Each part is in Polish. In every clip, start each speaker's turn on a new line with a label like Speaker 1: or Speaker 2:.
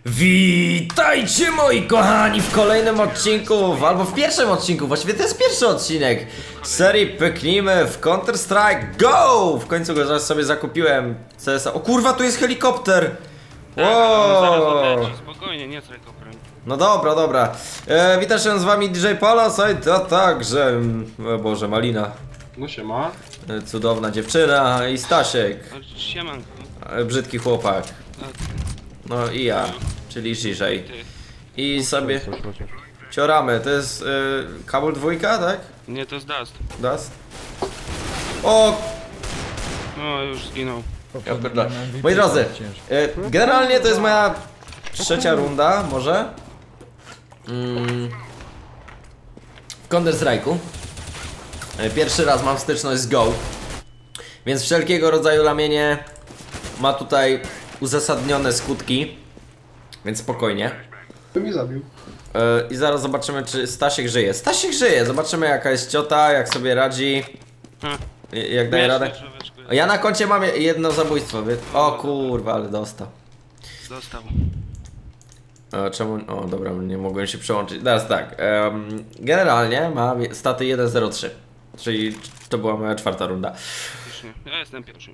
Speaker 1: Witajcie moi kochani w kolejnym odcinku, albo w pierwszym odcinku, właściwie to jest pierwszy odcinek serii Pyknijmy w Counter Strike GO! W końcu go zaraz sobie zakupiłem. CSA. O kurwa, tu jest helikopter!
Speaker 2: Wow. Spokojnie, nie z helikopterem.
Speaker 1: No dobra, dobra. Witam się z wami DJ Palasite, a także... O Boże, Malina.
Speaker 3: No siema.
Speaker 1: Cudowna dziewczyna i Stasiek.
Speaker 2: Siemanko.
Speaker 1: Brzydki chłopak. No i ja, czyli Żiżej. I sobie cioramy, to jest Kabul dwójka, tak?
Speaker 2: Nie, to jest Dust.
Speaker 1: Dust? O!
Speaker 2: No, już zginął.
Speaker 1: Ja pierdolę. Moi drodzy, generalnie to jest moja trzecia runda, może? W Counter Strike'u. Pierwszy raz mam styczność z GO. Więc wszelkiego rodzaju lamienie ma tutaj uzasadnione skutki. Więc spokojnie.
Speaker 3: To mnie zabił.
Speaker 1: I zaraz zobaczymy, czy Stasiek żyje. Stasiek żyje, zobaczymy jaka jest ciota, jak sobie radzi. Jak daje radę. Ja na koncie mam jedno zabójstwo. O kurwa, ale dostał.
Speaker 2: Dostał.
Speaker 1: Czemu? O dobra, nie mogłem się przełączyć. Teraz tak, generalnie ma staty 1.03. Czyli to była moja czwarta runda.
Speaker 2: Ja jestem pierwszy.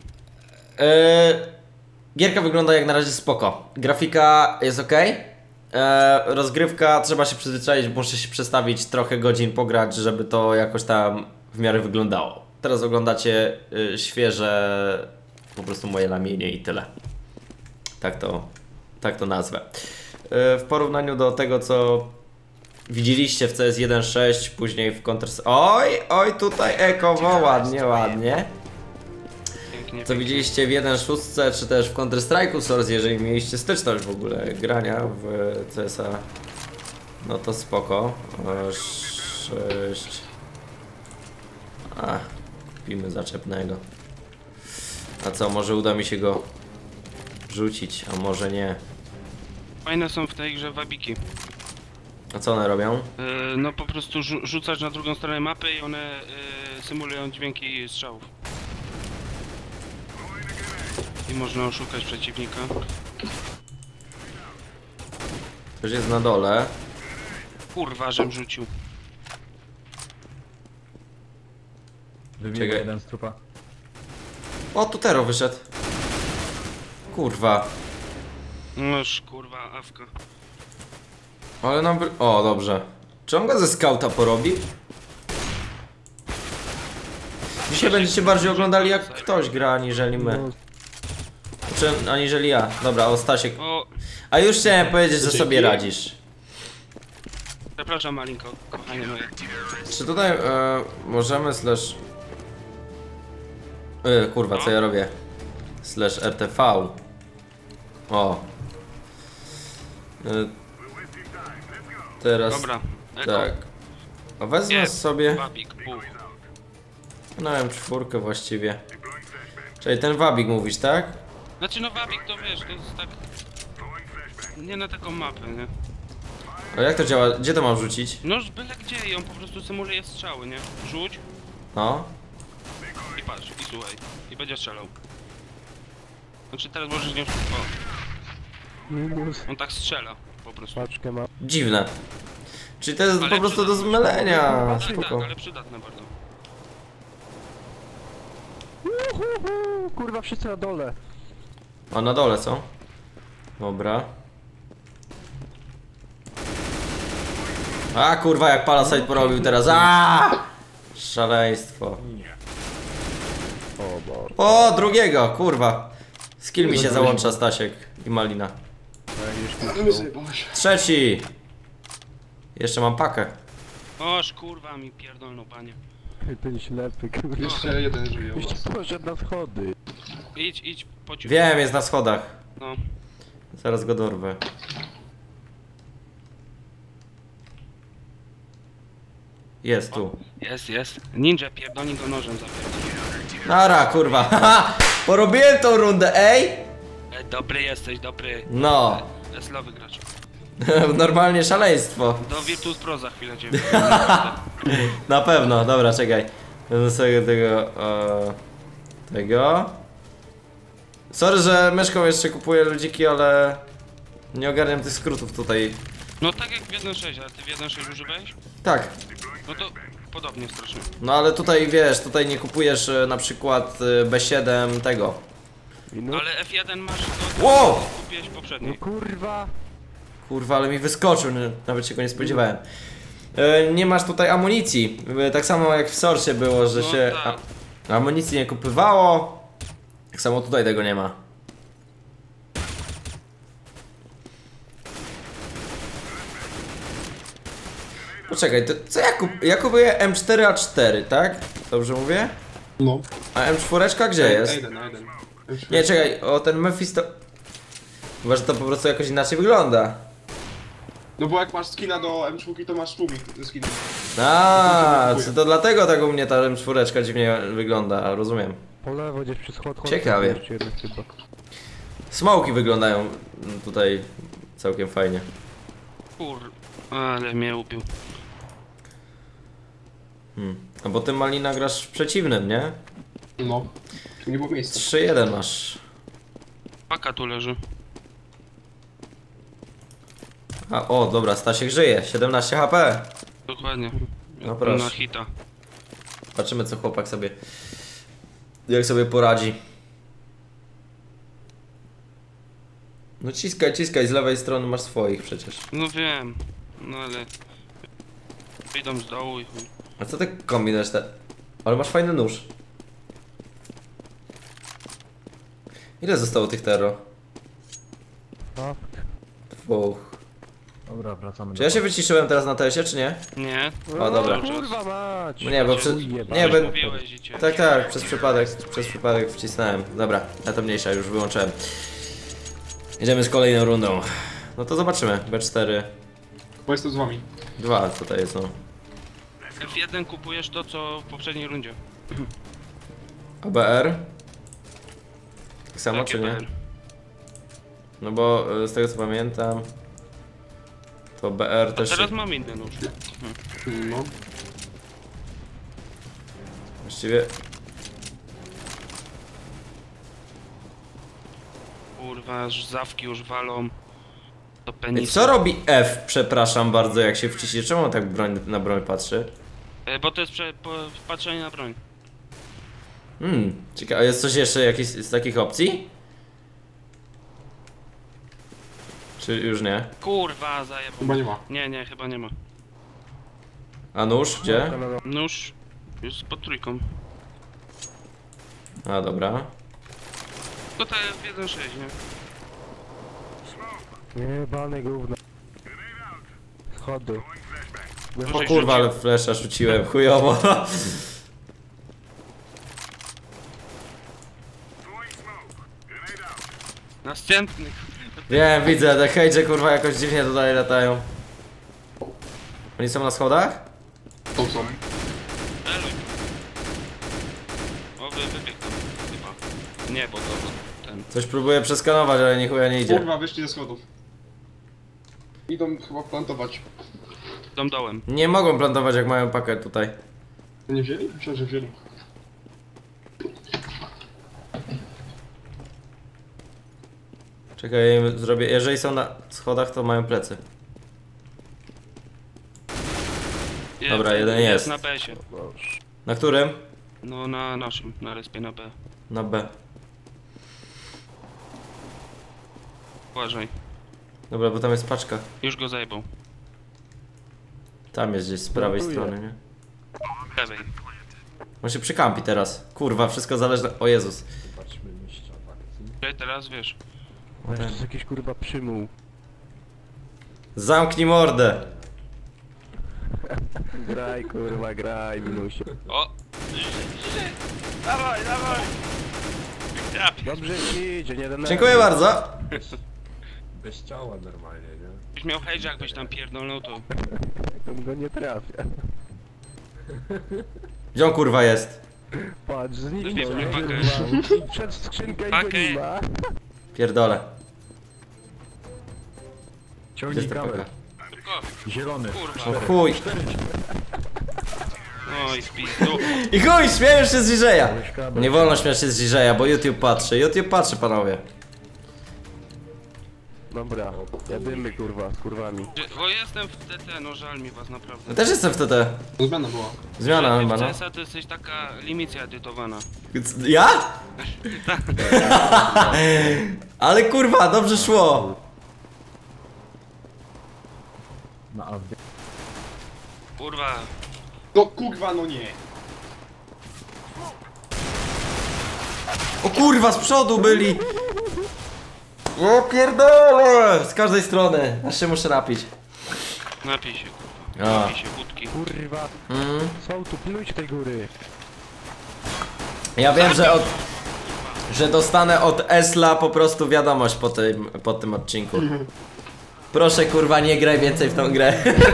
Speaker 1: Gierka wygląda jak na razie spoko. Grafika jest ok. Rozgrywka, trzeba się przyzwyczaić, muszę się przestawić trochę godzin pograć, żeby to jakoś tam w miarę wyglądało. Teraz oglądacie świeże po prostu moje lamienie i tyle. Tak to nazwę. W porównaniu do tego, co widzieliście w CS 1.6, później w Counter... Oj, tutaj ekowo, ładnie.
Speaker 2: Pięknie,
Speaker 1: Co widzieliście w 1.6 czy też w Counter Strike'u Source, jeżeli mieliście styczność w ogóle grania w CSa, no to spoko. 6. Kupimy zaczepnego. A co, może uda mi się go rzucić, a może nie.
Speaker 2: Fajne są w tej grze wabiki.
Speaker 1: A co one robią?
Speaker 2: No po prostu rzucasz na drugą stronę mapy i one symulują dźwięki strzałów. I można oszukać przeciwnika.
Speaker 1: Ktoś jest na dole.
Speaker 2: Kurwa, żem rzucił.
Speaker 4: Wybiegł jeden z trupa.
Speaker 1: O, tu Tero wyszedł. Kurwa.
Speaker 2: Noż kurwa, awka.
Speaker 1: Ale nam... O, dobrze. Czy on go ze skauta porobi? Dzisiaj będziecie bardziej oglądali jak ktoś gra, aniżeli my. Czy aniżeli ja. Dobra, o Stasiek.
Speaker 2: O,
Speaker 1: A już chciałem powiedzieć, że sobie radzisz.
Speaker 2: przepraszam Malinko, kochanie moje.
Speaker 1: Czy tutaj możemy slash... kurwa, co ja robię? Slash RTV. O. Teraz...
Speaker 2: Dobra,
Speaker 1: Tak. A wezmę sobie...
Speaker 2: Wabik, buch.
Speaker 1: No wiem, czwórkę właściwie. Czyli ten wabik mówisz, tak?
Speaker 2: Znaczy no wabik to wiesz, to jest tak... Nie na taką mapę, nie?
Speaker 1: A jak to działa? Gdzie to mam rzucić?
Speaker 2: No byle gdzie i on po prostu symuluje strzały, nie? Rzuć
Speaker 1: No.
Speaker 2: i patrz, i słuchaj. I będzie strzelał. Znaczy teraz możesz nie... O. On tak strzela, po prostu.
Speaker 4: Paczkę ma.
Speaker 1: Dziwne. Czyli to jest
Speaker 2: Ale
Speaker 1: po prostu do
Speaker 2: przydatne.
Speaker 1: zmylenia.
Speaker 2: Tak,
Speaker 1: Spoko.
Speaker 2: ale przydatne bardzo.
Speaker 4: Kurwa, wszyscy na dole.
Speaker 1: A na dole są? Dobra. A kurwa, jak Palasite porobił teraz. Szaleństwo. O, drugiego, kurwa. Skill mi się załącza, Stasiek i Malina. Trzeci. Jeszcze mam pakę.
Speaker 2: Oż kurwa mi pierdolną panie.
Speaker 4: Ty ślepy, kurwa.
Speaker 3: Jeszcze jeden żyje u
Speaker 4: Jeszcze
Speaker 3: was.
Speaker 4: poszedł na schody.
Speaker 2: Idź, pociąg.
Speaker 1: Wiem, jest na schodach.
Speaker 2: No.
Speaker 1: Zaraz go dorwę. Jest tu.
Speaker 2: Jest. Ninja pierdolni go nożem zapierdolę.
Speaker 1: Nara, kurwa. Haha, porobiłem tą rundę, ej!
Speaker 2: Dobry jesteś, dobry.
Speaker 1: No.
Speaker 2: Eslowy gracz.
Speaker 1: Normalnie szaleństwo.
Speaker 2: Do Virtus Pro za chwilę cię.
Speaker 1: Na pewno, dobra, czekaj. Będę sobie tego. Sorry, że myszką jeszcze kupuję ludziki, ale Nie ogarniam tych skrótów tutaj.
Speaker 2: No tak jak w 1.6, ale ty w 1.6 używałeś?
Speaker 1: Tak.
Speaker 2: No to podobnie strasznie.
Speaker 1: No ale tutaj wiesz, tutaj nie kupujesz na przykład B7 tego.
Speaker 4: Minut?
Speaker 2: Ale F1 masz to,
Speaker 1: Wow!
Speaker 2: kupiłeś
Speaker 4: No
Speaker 2: poprzedni.
Speaker 4: kurwa!
Speaker 1: Kurwa, ale mi wyskoczył, nawet się go nie spodziewałem. Nie masz tutaj amunicji. Tak samo jak w Source było, że
Speaker 2: No
Speaker 1: się
Speaker 2: tak.
Speaker 1: amunicji nie kupywało. Tak samo tutaj tego nie ma. Poczekaj, to co ja kupuję M4A4, tak? Dobrze mówię?
Speaker 3: No.
Speaker 1: A M4 gdzie jest?
Speaker 3: A1.
Speaker 1: Nie, czekaj, o ten Memphis to... Chyba, że to po prostu jakoś inaczej wygląda.
Speaker 3: No bo jak masz skina do M4, to masz tłumik ze skinem.
Speaker 1: A, to dlatego tak u mnie ta M4 dziwnie wygląda, rozumiem.
Speaker 4: Po lewo gdzieś przy schodach.
Speaker 1: Ciekawie.
Speaker 4: Chyba.
Speaker 1: Smoki wyglądają tutaj całkiem fajnie.
Speaker 2: Kur... Ale mnie ubił.
Speaker 1: A bo ty Malina grasz w przeciwnym, nie?
Speaker 3: No. Tu nie było miejsca.
Speaker 1: 3-1 masz.
Speaker 2: Paka tu leży.
Speaker 1: A, o, dobra, Stasiek żyje, 17 HP.
Speaker 2: Dokładnie.
Speaker 1: No proszę.
Speaker 2: Na hita.
Speaker 1: Zobaczymy co chłopak sobie... Jak sobie poradzi. No ciskaj, z lewej strony masz swoich przecież.
Speaker 2: No wiem. No ale... Idą z dołu i chuj.
Speaker 1: A co ty kombinujesz te... Ale masz fajny nóż. Ile zostało tych terro?
Speaker 4: Tak.
Speaker 1: Dwóch.
Speaker 4: Dobra, wracamy
Speaker 1: Czy ja się wyciszyłem teraz na tesie, czy nie?
Speaker 2: Nie?
Speaker 1: O, dobra.
Speaker 4: Kurwa mać!
Speaker 1: Nie, bo przy... Nie,
Speaker 2: Już
Speaker 1: bo...
Speaker 2: mówiłeś i cię.
Speaker 1: Tak, przez przypadek wcisnąłem. Dobra, na to mniejsza, już wyłączyłem. Jedziemy z kolejną rundą. No to zobaczymy. B4.
Speaker 3: Bo jestem z wami.
Speaker 1: 2 tutaj jest, no.
Speaker 2: F1 kupujesz to co w poprzedniej rundzie.
Speaker 1: ABR? Tak samo,
Speaker 2: Takie
Speaker 1: czy nie?
Speaker 2: BR.
Speaker 1: No bo z tego co pamiętam, to BR
Speaker 2: A
Speaker 1: też
Speaker 2: teraz
Speaker 1: się...
Speaker 2: mam inny nóż.
Speaker 3: No.
Speaker 1: Właściwie...
Speaker 2: Kurwa, aż zawki już walą. To
Speaker 1: Ej,
Speaker 2: penis.
Speaker 1: co robi F, przepraszam bardzo, jak się wciśnie? Czemu on tak na broń patrzy?
Speaker 2: Bo to jest patrzenie na broń.
Speaker 1: Ciekawe, jest coś jeszcze jakieś z takich opcji? Czy już nie?
Speaker 2: Kurwa, zajebał.
Speaker 3: Chyba nie ma.
Speaker 2: Nie, chyba nie ma.
Speaker 1: A nóż, gdzie?
Speaker 2: Nóż już pod trójką.
Speaker 1: A, dobra.
Speaker 2: To te w 1.6, nie?
Speaker 4: Jebane gówno. Schody.
Speaker 1: O kurwa, ale flesza rzuciłem, chujowo.
Speaker 2: Następny.
Speaker 1: Wiem, widzę, te hejdzie kurwa jakoś dziwnie tutaj latają. Oni są na schodach?
Speaker 3: To są.
Speaker 2: Eluj. O, wybiegł tam chyba. Nie, bo to ten.
Speaker 1: Coś próbuję przeskanować, ale nie chuja nie idzie.
Speaker 3: Kurwa, wyszli ze schodów. Idą chyba plantować.
Speaker 2: Dom dołem.
Speaker 1: Nie mogą plantować jak mają pakę tutaj.
Speaker 3: Nie wzięli? Myślę, że wzięli.
Speaker 1: Czekaj, ja im zrobię. Jeżeli są na schodach, to mają plecy. Dobra, jeden jest.
Speaker 2: Na B-sie.
Speaker 1: Na którym?
Speaker 2: No na naszym, na respie na B.
Speaker 1: Na B.
Speaker 2: Uważaj.
Speaker 1: Dobra, bo tam jest paczka.
Speaker 2: Już go zajebał.
Speaker 1: Tam jest gdzieś z prawej
Speaker 4: Plantuję.
Speaker 1: strony, nie?
Speaker 2: Lewej.
Speaker 1: On się przykampi teraz. Kurwa, wszystko zależy... O Jezus.
Speaker 2: Czekaj, teraz wiesz.
Speaker 4: To jest jakiś kurwa przymuł.
Speaker 1: Zamknij mordę.
Speaker 4: Graj kurwa, graj minusie.
Speaker 2: O! Dawaj, dawaj! Ja pier-
Speaker 4: Dobrze ci idzie, nie denerwuj.
Speaker 1: Dziękuję bardzo.
Speaker 5: Bez ciała normalnie, nie?
Speaker 2: Byś miał hejdż, jakbyś tam pierdolnął, to...
Speaker 4: To go nie trafia.
Speaker 1: Gdzie on kurwa jest?
Speaker 4: Patrz, zniknął.
Speaker 2: Zniknął, pakę.
Speaker 4: kurwa. Przed skrzynkę i go
Speaker 2: Pakę.
Speaker 4: nie ma.
Speaker 1: Pierdolę. Gdzie
Speaker 4: Ciągnij
Speaker 1: jest ta
Speaker 4: kabel.
Speaker 1: paka?
Speaker 2: Szybko!
Speaker 4: Zielony.
Speaker 1: O
Speaker 2: Kurwa!
Speaker 1: chuj.
Speaker 2: Oj, w pizdu.
Speaker 1: I chuj, śmiejesz się z DJ-a.
Speaker 4: Weź kabel.
Speaker 1: Nie wolno śmiać się z DJ-a, bo YouTube patrzy. YouTube patrzy, panowie.
Speaker 4: Dobra, jadymy kurwa, z kurwami.
Speaker 2: O, jestem w TT, no żal mi was naprawdę.
Speaker 1: Ja też jestem w TT.
Speaker 3: To zmiana była.
Speaker 1: Zmiana chyba,
Speaker 2: W
Speaker 1: no.
Speaker 2: CS-a to jesteś taka limicja edytowana.
Speaker 1: Ja? Ale kurwa, dobrze szło.
Speaker 5: Na AW.
Speaker 2: Kurwa.
Speaker 3: No kurwa, no nie.
Speaker 1: O kurwa, z przodu byli. O pierdolę. Z każdej strony. Aż się muszę napić.
Speaker 2: Napij się, kurwa.
Speaker 1: A.
Speaker 2: Napij się wódki.
Speaker 4: Kurwa,
Speaker 1: Mm.
Speaker 4: są tu, pilnujcie tej góry.
Speaker 1: Ja wiem, że dostanę od Esla po prostu wiadomość po tym odcinku. Proszę kurwa, nie graj więcej w tą grę.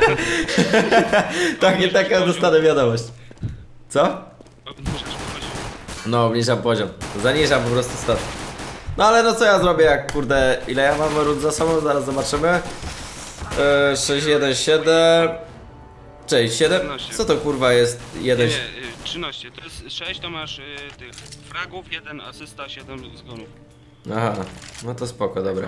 Speaker 1: Taką dostanę wiadomość. Co?
Speaker 2: Obniżasz poziom.
Speaker 1: No, obniżam poziom. Zaniżam po prostu stat. No ale no co ja zrobię, jak kurde, ile ja mam rund za sobą, zaraz zobaczymy. 6, 1, 7. Cześć, 7? Co to kurwa jest? 1.
Speaker 2: Nie, 13. To jest 6, to masz tych fragów, 1 asysta, 7 zgonów.
Speaker 1: Aha, no to spoko, dobra.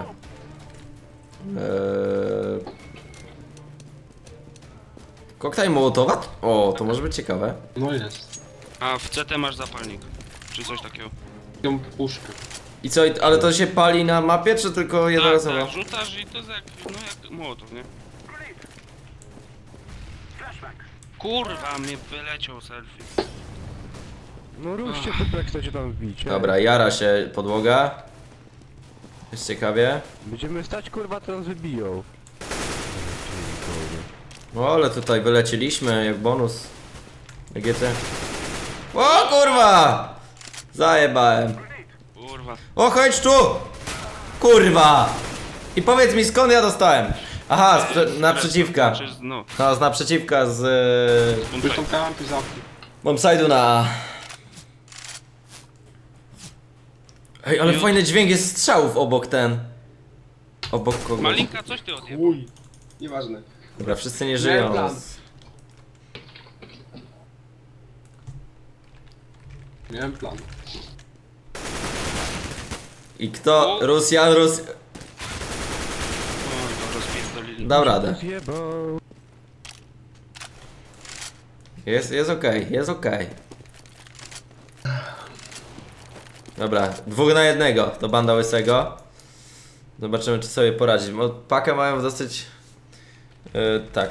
Speaker 1: Koktajl Mołotowa? O, to może być ciekawe.
Speaker 3: No jest.
Speaker 2: A w CT masz zapalnik. Czy coś takiego.
Speaker 3: Tą puszkę.
Speaker 1: I co, ale to się pali na mapie, czy tylko jednorazowo?
Speaker 2: Tak, rzucasz i to jest jak, no jak Mołotow, nie? Kurwa, mnie wyleciał selfie.
Speaker 4: No ruszcie to, jak chcecie tam wbić.
Speaker 1: Dobra, jara się podłoga. Jest ciekawie.
Speaker 4: Będziemy stać kurwa, to nas wybiją.
Speaker 1: O, ale tutaj wyleciliśmy jak bonus. EGT. O kurwa! Zajebałem.
Speaker 2: Kurwa.
Speaker 1: O, chodź tu! Kurwa! I powiedz mi, skąd ja dostałem? Aha, naprzeciwka.
Speaker 2: Czy z, no,
Speaker 1: No, z naprzeciwka z
Speaker 3: Już tą kampy zamknij.
Speaker 1: bombside'u na... Ej, ale fajny dźwięk jest strzałów obok ten. Obok kogoś.
Speaker 2: Malinka, coś ty odjebał.
Speaker 3: Uj. Nieważne.
Speaker 1: Dobra, wszyscy nie
Speaker 3: Miałem
Speaker 1: żyją.
Speaker 3: plan. Miałem plan.
Speaker 1: I kto? Rosjan,
Speaker 2: Oj, to rozpierdolili.
Speaker 1: dał radę.
Speaker 4: Zjebał.
Speaker 1: Jest okej, jest okej. Dobra, 2 na 1 to banda łysego. Zobaczymy, czy sobie poradzić. Bo pakę mają dosyć... tak.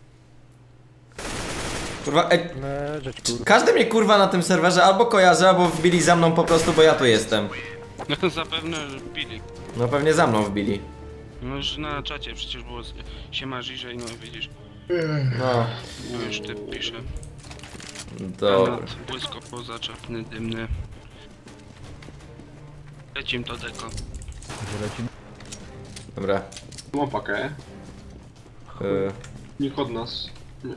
Speaker 1: Kurwa,
Speaker 4: Leżeć kurwa.
Speaker 1: każdy mnie kurwa na tym serwerze albo kojarzy, albo wbili za mną po prostu, bo ja tu jestem.
Speaker 2: No zapewne bili.
Speaker 1: No pewnie za mną wbili.
Speaker 2: No już na czacie przecież było siema Żyżej, no widzisz.
Speaker 1: No,
Speaker 2: No już ty pisze.
Speaker 1: dobra.
Speaker 2: Granat, błysko pozaczapny, dymny. Lecim to deko.
Speaker 1: Dobra.
Speaker 3: Mam pakę.
Speaker 1: y,
Speaker 3: Nikt od nas. Nie.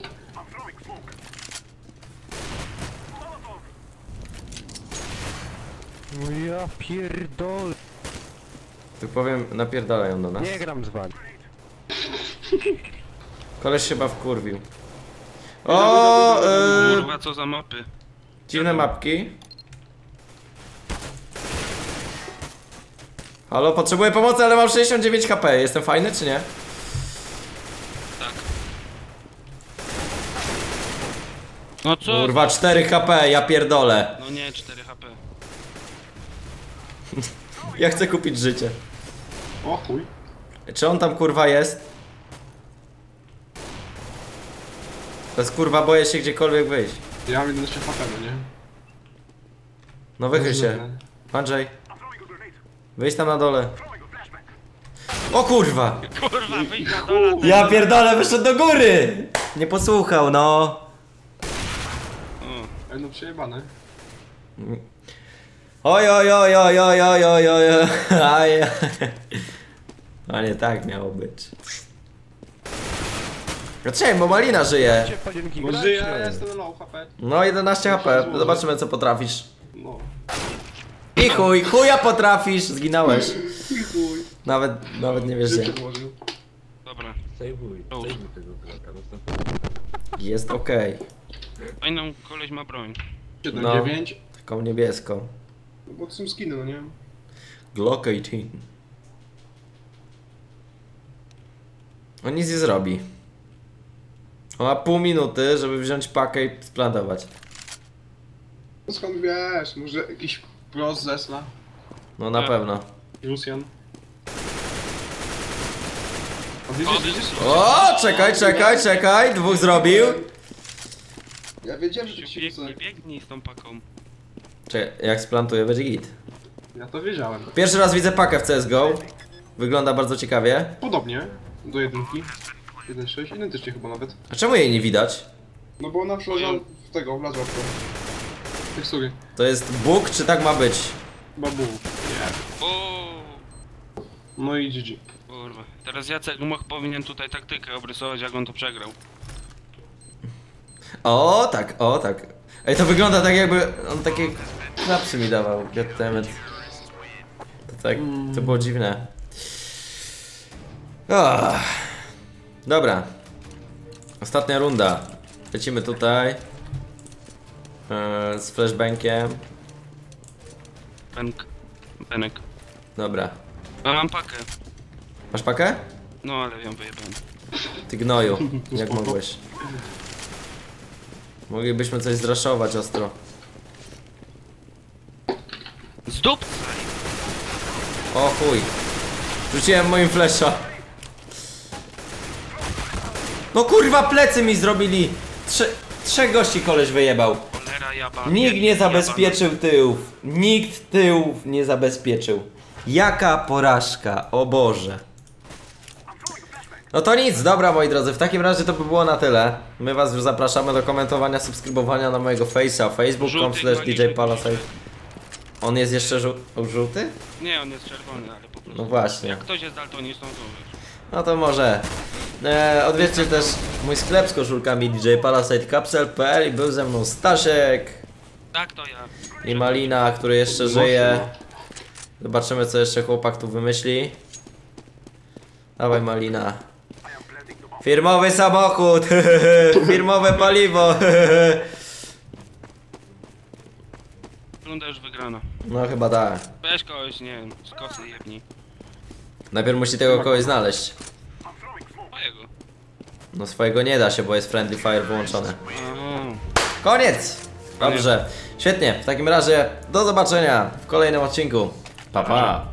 Speaker 4: No ja pierdolę.
Speaker 1: Tu powiem, napierdalają do nas.
Speaker 4: Nie gram z wami.
Speaker 1: Koleś się chyba wkurwił. O,
Speaker 2: Kurwa, co za mapy.
Speaker 1: dziwne mapki. Halo, potrzebuję pomocy, ale mam 69 HP. Jestem fajny, czy nie?
Speaker 2: Tak. No co?
Speaker 1: Kurwa, 4 HP, ja pierdolę.
Speaker 2: No nie, 4 HP.
Speaker 1: Ja chcę kupić życie.
Speaker 3: O chuj.
Speaker 1: Czy on tam kurwa jest? Bez kurwa boję się gdziekolwiek wyjść.
Speaker 3: Ja mam 11 HP, no nie?
Speaker 1: No wychyl się. Andrzej. Wyjdź tam na dole. O kurwa!
Speaker 2: Kurwa, wyjdź na dole.
Speaker 1: Ja pierdolę, wyszedł do góry! Nie posłuchał, no.
Speaker 2: O,
Speaker 3: Ej, no przejebane.
Speaker 1: Oj, oj, oj, oj, oj, oj, oj, oj, oj. A nie tak miało być. Dlaczego? Bo Malina żyje.
Speaker 4: Gdzie panienki
Speaker 3: Bo
Speaker 4: grać?
Speaker 3: żyję, ja jestem na low HP.
Speaker 1: No 11 HP, zobaczymy co potrafisz.
Speaker 3: No.
Speaker 1: I chuja potrafisz, zginąłeś.
Speaker 3: I chuj.
Speaker 1: Nawet nie wiesz
Speaker 3: Życie
Speaker 1: gdzie.
Speaker 3: włożył.
Speaker 2: dobra.
Speaker 5: Sejwuj
Speaker 2: O.
Speaker 5: tego kraka. Następny.
Speaker 1: Jest okej.
Speaker 2: Fajną koleś ma broń.
Speaker 3: 7-9.
Speaker 1: Taką niebieską.
Speaker 3: No bo to są skiny, no nie?
Speaker 1: Glock 18. On nic nie zrobi. On ma pół minuty, żeby wziąć pakę i splantować.
Speaker 3: No skąd wiesz? Może jakiś pros zesla?
Speaker 1: No na pewno.
Speaker 3: Lucian? A
Speaker 2: O,
Speaker 3: widzisz?
Speaker 1: O, czekaj, dwóch zrobił.
Speaker 3: Ja wiedziałem, że to się
Speaker 2: Biegnij, biegnij z tą paką.
Speaker 1: Czekaj, jak splantuję, będzie git.
Speaker 3: Ja to wiedziałem.
Speaker 1: Pierwszy raz widzę pakę w CSGO. Wygląda bardzo ciekawie.
Speaker 3: Podobnie do jedynki. 1.6, identycznie chyba nawet.
Speaker 1: A czemu jej nie widać?
Speaker 3: No bo ona wlazła w tego, wlazła w to. Tekstury.
Speaker 1: To jest bóg, czy tak ma być?
Speaker 3: Babu.
Speaker 2: O,
Speaker 3: No i GG.
Speaker 2: kurwa. Teraz Jacek powinien tutaj taktykę obrysować, jak on to przegrał.
Speaker 1: O tak. Ej, to wygląda tak jakby on takie klapsy mi dawał. Goddammit. To tak, to było dziwne. Dobra. Ostatnia runda. Lecimy tutaj. Z flashbankiem.
Speaker 2: Penek.
Speaker 1: Dobra.
Speaker 2: A mam pakę.
Speaker 1: Masz pakę?
Speaker 2: No ale ją wyjebałem.
Speaker 1: Ty gnoju, jak mogłeś? Moglibyśmy coś zraszować ostro.
Speaker 2: Zdupcaj!
Speaker 1: O chuj. Rzuciłem moim flesza. No kurwa, plecy mi zrobili. Trzech gości koleś wyjebał.
Speaker 2: Cholera jaba.
Speaker 1: Nikt nie zabezpieczył tyłów. Nikt tyłów nie zabezpieczył. Jaka porażka, o Boże. No to nic, dobra moi drodzy, w takim razie to by było na tyle. My was już zapraszamy do komentowania, subskrybowania na mojego face'a, facebook.com/djpalisade. On jest jeszcze żółty?
Speaker 2: Nie, on jest czerwony, ale po prostu.
Speaker 1: No właśnie.
Speaker 2: Jak ktoś jest daltonistą, to wiesz.
Speaker 1: No to może. Odwiedźcie też mój sklep z koszulkami djpalisade.pl i był ze mną Stasiek
Speaker 2: Tak, to ja.
Speaker 1: i Malina, który jeszcze żyje. Zobaczymy, co jeszcze chłopak tu wymyśli. Dawaj, Malina. Firmowy samochód, firmowe paliwo.
Speaker 2: Runda już wygrana.
Speaker 1: No chyba tak.
Speaker 2: Weź kogoś, nie wiem, z kosy jebni.
Speaker 1: Najpierw musi tego kogoś znaleźć.
Speaker 2: Mojego.
Speaker 1: No swojego nie da się, bo jest friendly fire wyłączone.
Speaker 2: Aha.
Speaker 1: Koniec! Dobrze, świetnie. W takim razie do zobaczenia w kolejnym odcinku. Pa pa!